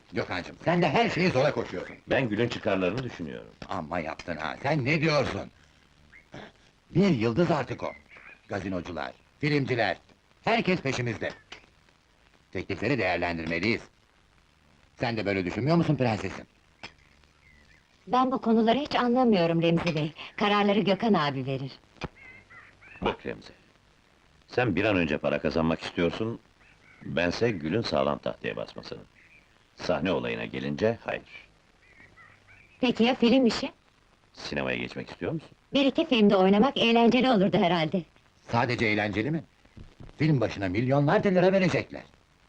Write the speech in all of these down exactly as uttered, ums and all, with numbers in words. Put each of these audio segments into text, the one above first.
Gökhan'cığım, sen de her şeyi zora koşuyorsun. Ben Gül'ün çıkarlarını düşünüyorum. Amma yaptın ha, sen ne diyorsun? Bir yıldız artık o. Gazinocular, filmciler, herkes peşimizde. Teklifleri değerlendirmeliyiz. Sen de böyle düşünmüyor musun prensesim? Ben bu konuları hiç anlamıyorum Remzi Bey. Kararları Gökhan abi verir. Bak Remzi, sen bir an önce para kazanmak istiyorsun, bense Gül'ün sağlam tahtaya basmasını. Sahne olayına gelince, hayır. Peki ya film işi? Sinemaya geçmek istiyor musun? Bir iki filmde oynamak eğlenceli olurdu herhalde. Sadece eğlenceli mi? Film başına milyonlarca lira verecekler.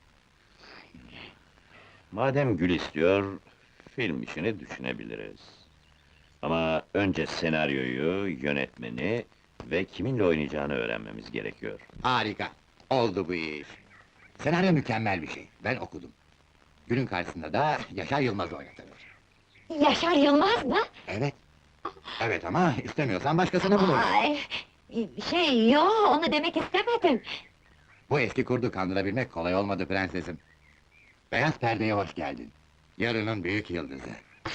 Madem Gül istiyor, film işini düşünebiliriz. Ama önce senaryoyu, yönetmeni ve kiminle oynayacağını öğrenmemiz gerekiyor. Harika, oldu bu iş. Senaryo mükemmel bir şey, ben okudum. Günün karşısında da Yaşar Yılmaz oynatılır. Yaşar Yılmaz mı? Evet. Evet ama istemiyorsan başkasını buluruz. Ay, şey, yo, onu demek istemedim. Bu eski kurdu kandırabilmek kolay olmadı prensesim. Beyaz perdeye hoş geldin. Yarının büyük yıldızı.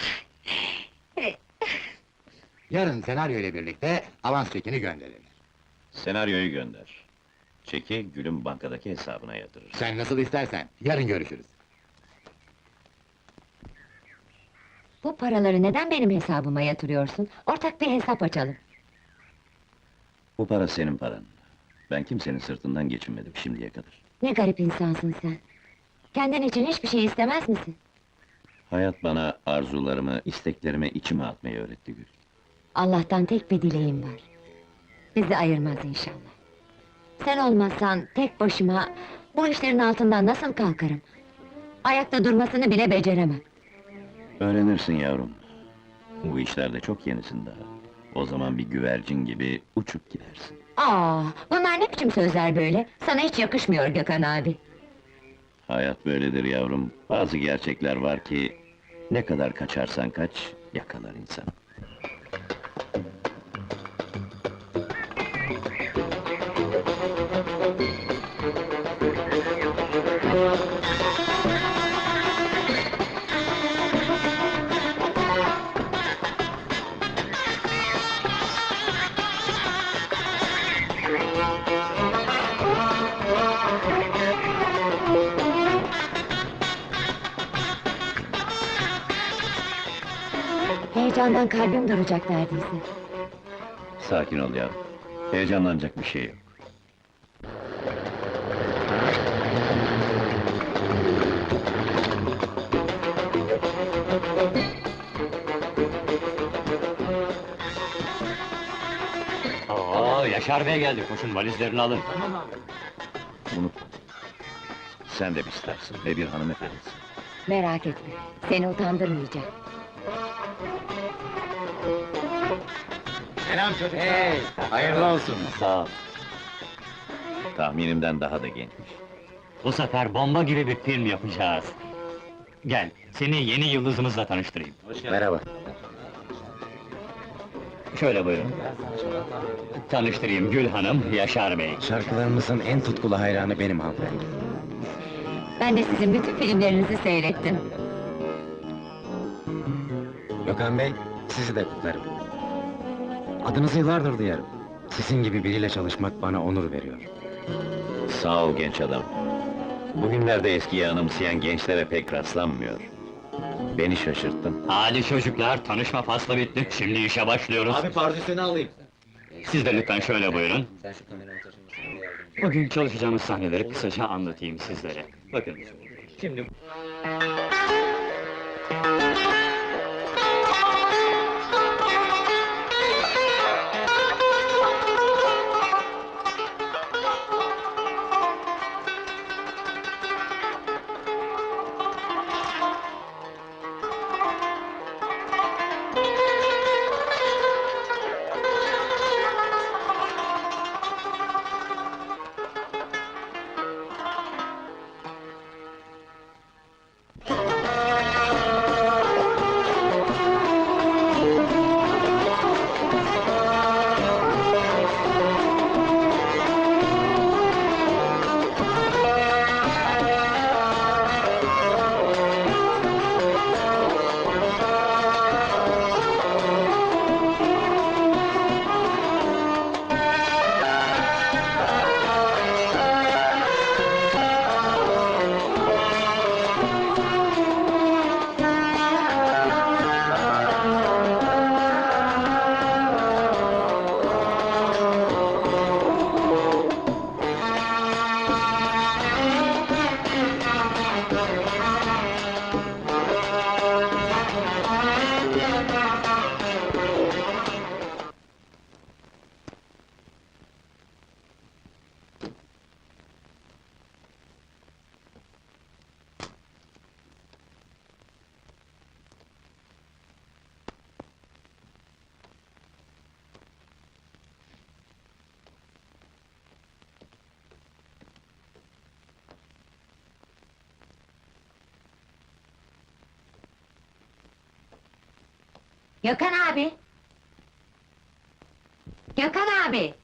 Yarın senaryo ile birlikte avans çekini gönderilir. Senaryoyu gönder. Çeki Gül'ün bankadaki hesabına yatırır. Sen nasıl istersen, yarın görüşürüz. Bu paraları neden benim hesabıma yatırıyorsun? Ortak bir hesap açalım. Bu para senin paran. Ben kimsenin sırtından geçinmedim şimdiye kadar. Ne garip insansın sen. Kendin için hiçbir şey istemez misin? Hayat bana arzularımı, isteklerimi içime atmayı öğretti Gül. Allah'tan tek bir dileğim var. Bizi ayırmaz inşallah. Sen olmazsan tek başıma bu işlerin altından nasıl kalkarım? Ayakta durmasını bile beceremem. Öğrenirsin yavrum. Bu işlerde çok yenisin daha. O zaman bir güvercin gibi uçup gidersin. Aa, bunlar ne biçim sözler böyle? Sana hiç yakışmıyor Gökhan abi. Hayat böyledir yavrum. Bazı gerçekler var ki... ...ne kadar kaçarsan kaç, yakalar insan. Heyecandan kalbim duracak neredeyse. Sakin ol yavrum. Heyecanlanacak bir şey yok. Oo, Yaşar Bey geldi, koşun valizlerini alın. Unutma. Sen de bir starsın ve bir hanımefendisin. Merak etme, seni utandırmayacağım. Selam çocuklar! Hey, hayırlı olsun! Sağ ol. Tahminimden daha da gençmiş. Bu sefer bomba gibi bir film yapacağız. Gel, seni yeni yıldızımızla tanıştırayım. Merhaba. Şöyle buyurun. Tanıştırayım, Gül Hanım, Yaşar Bey. Şarkılarımızın en tutkulu hayranı benim hanımefendi. Ben de sizin bütün filmlerinizi seyrettim. Gökhan Bey, sizi de kutlarım. Adınızı yıllardır duyarım. Sizin gibi biriyle çalışmak bana onur veriyor. Sağ ol genç adam. Bugünlerde eskiyi anımsayan gençlere pek rastlanmıyor. Beni şaşırttın. Hadi çocuklar, tanışma faslı bitti, şimdi işe başlıyoruz. pardesünü alayım. Siz de lütfen şöyle buyurun. Bugün çalışacağımız sahneleri kısaca anlatayım sizlere. Bakın, şimdi... Gökhan abi! Gökhan abi!